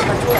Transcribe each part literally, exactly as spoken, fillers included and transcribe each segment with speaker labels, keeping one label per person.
Speaker 1: มาช่วย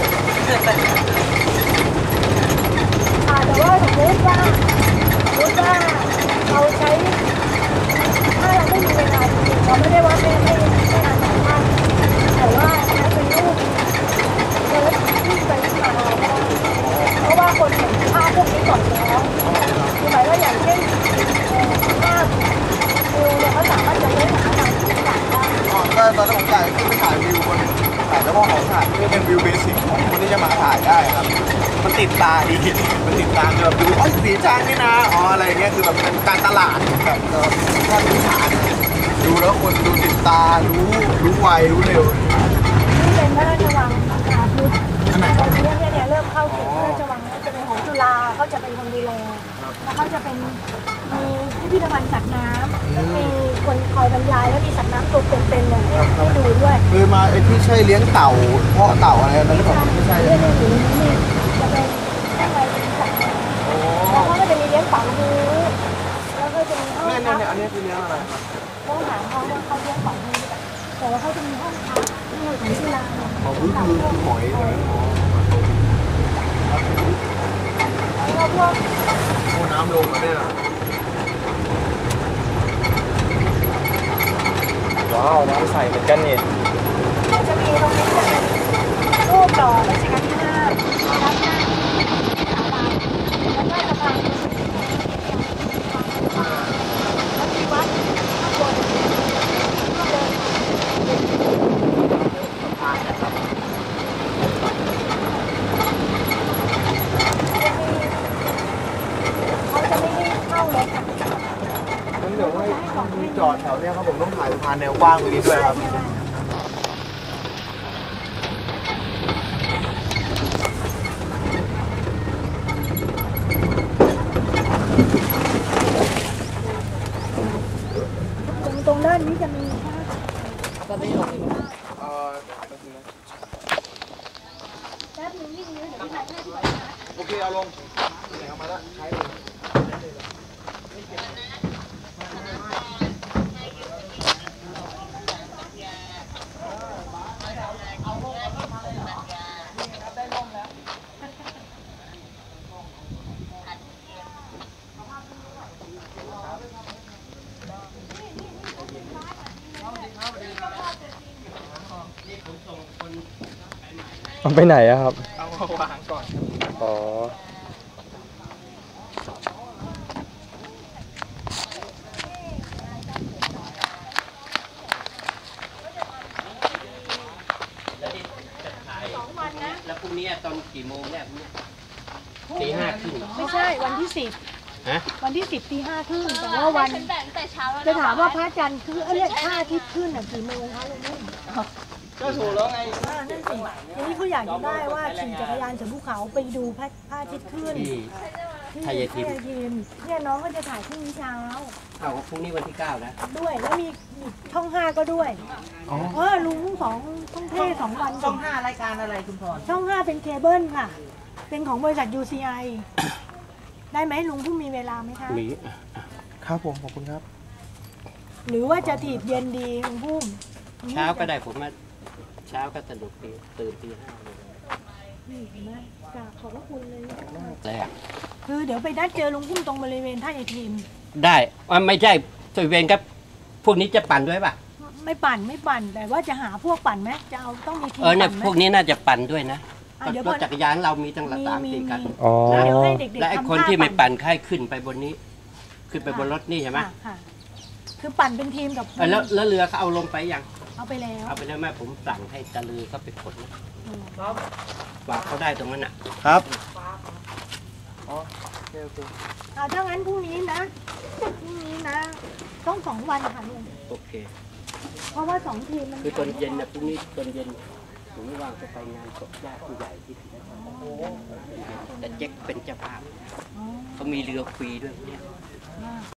Speaker 2: แต่ว่าสมมติว่าสมมติว่าเราใช้ถ้าเราไม่มีเวลาจริงเราไม่ได้ว่าไม่ไม่ไม่นานสามารถแต่ว่าใช้เป็นรูปเพิร์ดที่ไปที่มาเพราะว่าคนเห็นภาพพวกนี้ก่อนแล้วคือหมายว่าอย่างเช่นภาพวิวเนี่ยเขาสามารถจะเล่นหาทางที่ต่างได้
Speaker 1: อ๋อก็ตอนนั้นผมถ่ายขึ้นไปถ่ายวิวบนถ่ายเฉพาะของถ่ายที่เป็นวิวเบสิกของคนที่จะมาถ่ายได้ครับมันติดตาดีมันติดตาแบบดูอ๋อสีจางนี่นะอ๋ออะไรเงี้ยคือแบบเป็นการตลาดแบบถ้าดูฐานดูแล้วคนดูติดตารู้รู้ไวรู้เร็ว
Speaker 2: นี่เป็นพระราชวังอาพุทธตอนนี้เนี่ยเนี่ยเริ่มเข้าเขตพระราชวังจะเป็นของจุฬาเขาจะเป็นคนดูแลแล้วเขาจะเป็นมีพิพิธภัณฑ์สัตว์น้ำแล้วมีคนคอยบรรยายแล้วมีสัตว์น้ำตัวเป็นๆเลยให้ดูด้วย
Speaker 1: คือมาไอ้ที่ใช่เลี้ยงเต่าเพาะเต่าอะไรนั่นหรือเปล่าไม่ใช่
Speaker 2: เนี่ยเนี่ยอยู่นี่จะเป็นข้างในเป็นสัตว์แล้วเขาก็จะมีเลี้ยงเต่าหูแล้วก็จะมีห้อง
Speaker 1: พักเนี่ยเนี่ยอันนี้คือเลี้ยงอะไร
Speaker 2: ต้องถามเขาว่าเขาเลี้ยงเต่าหูแต่ว่าเขาจะมีห้องพักที่เราถึงที่ร้าน
Speaker 1: อ๋อคือคือหอย
Speaker 2: แล้วพวก
Speaker 1: โอ้น้ำลงมาเนี่ยว้าวน้ำใสเหมือนกันนี่
Speaker 2: จะมีตรงนี้จะเป็นรูปหล่อรัชกาลที่ห้ารับหน้าสาบานแล้วก็สะพานแล้วมีวัดข้างบนก็เดินเขาจะไม่ให้เข้าเลยค่ะ
Speaker 1: งั้นเดี๋ยวให้จอดแถวเนี้ยครับผมต้องถ่ายสะพานแนวกว้างตรงนี้ด้วยครับ
Speaker 2: ตรงด้านนี้จะมีตอนนี้ลง
Speaker 1: เอ่อ
Speaker 2: แป๊บนึงนี่นี่เดี๋ยวพี่ถ่ายให้ดีกว่า
Speaker 1: โอเคเอาลงไหนเอามาแล้วใช้เลย
Speaker 3: เอาไปไหนอะครับ
Speaker 1: เอามาวางก่อน
Speaker 3: อ๋อ
Speaker 4: แล้วพรุ่งนี้ตอนกี่โมงเนี่ยตีห้าครึ่ง
Speaker 2: ไม่ใช่วันที่สิบ
Speaker 4: ฮะ
Speaker 2: วันที่สิบตีห้าครึ่งแต่ว่าวันจะถามว่าพระจันทร์คือเอ้ยพระอาทิตย์ขึ้นอ่ะกี่โมงคะลุงนุ่ม
Speaker 1: ก็ถูกแล้วไง
Speaker 2: นั่นสิทีนี้เขาอยากจะได้ว่าขี่จักรยานเสือภูเขาไปดูพระอาทิตย์ขึ้น
Speaker 4: ที่ไทยทิม
Speaker 2: เนี่ยน้องก็จะถ่ายพรุ่งนี้เช้า
Speaker 4: เอาพรุ่งนี้วันที่เก้านะ
Speaker 2: ด้วยแล้วมีช่องห้าก็ด้วยเออลุงสองช่องเท่สองวัน
Speaker 5: ช่องห้ารายการอะไรคุณพร
Speaker 2: ช่องห้าเป็นเคเบิลค่ะเป็นของบริษัท ยู ซี ไอ ได้ไหมลุงผู้มีเวลาไหมคะ
Speaker 4: มี
Speaker 1: ครับผมขอบคุณครับ
Speaker 2: หรือว่าจะถีบเย็นดีลุงผู้
Speaker 4: เช้าก็ได้ผมมาเช้าก็สนุกดีตื่นตีห้าเลย
Speaker 2: นี่เห็นไหมกราบขอบพระคุณเลย
Speaker 4: แรก
Speaker 2: คือเดี๋ยวไปนัดเจอลุงพุ่มตรงบริเวณท่าไอทีม
Speaker 4: ได้ว่าไม่ใช่บริเวณครับพวกนี้จะปั่นด้วยป่ะ
Speaker 2: ไม่ปั่นไม่ปั่นแต่ว่าจะหาพวกปั่นไหมจะเอาต้องมีทีม
Speaker 4: เออเนี่ยพวกนี้น่าจะปั่นด้วยนะรถจักรยานเรามีตั้งหลายสามสี่กัน
Speaker 2: เดี๋ยวให้เด็กๆ
Speaker 4: และไอ้คนที่ไม่ปั่นค่ายขึ้นไปบนนี้ ขึ้นไปบนรถนี่ใช่ไหม
Speaker 2: คือปั่นเป็นทีมกับ
Speaker 4: แล้วแล้วเรือเขาเอาลงไปยัง
Speaker 2: เอาไปแล้ว
Speaker 4: เอาไปแล้วแม่ผมสั่งให้ตะลือเขาไปขนฝากเขาได้ตรงนั้นอ่ะ
Speaker 1: ครับอ๋อโอเคโอเค
Speaker 2: เอาถ้างั้นพรุ่งนี้นะพรุ่งนี้นะต้องสองวันค่ะลุง
Speaker 4: โอเค
Speaker 2: เพราะว่าสองทีมมัน
Speaker 4: คือตอนเย็นนะพรุ่งนี้ตอนเย็นผมไม่ว่างจะไปงานศพญาติผู้ใหญ่ที่แต่เจ๊กเป็นเจ้าภาพเขามีเรือฟรีด้วยเนี่ย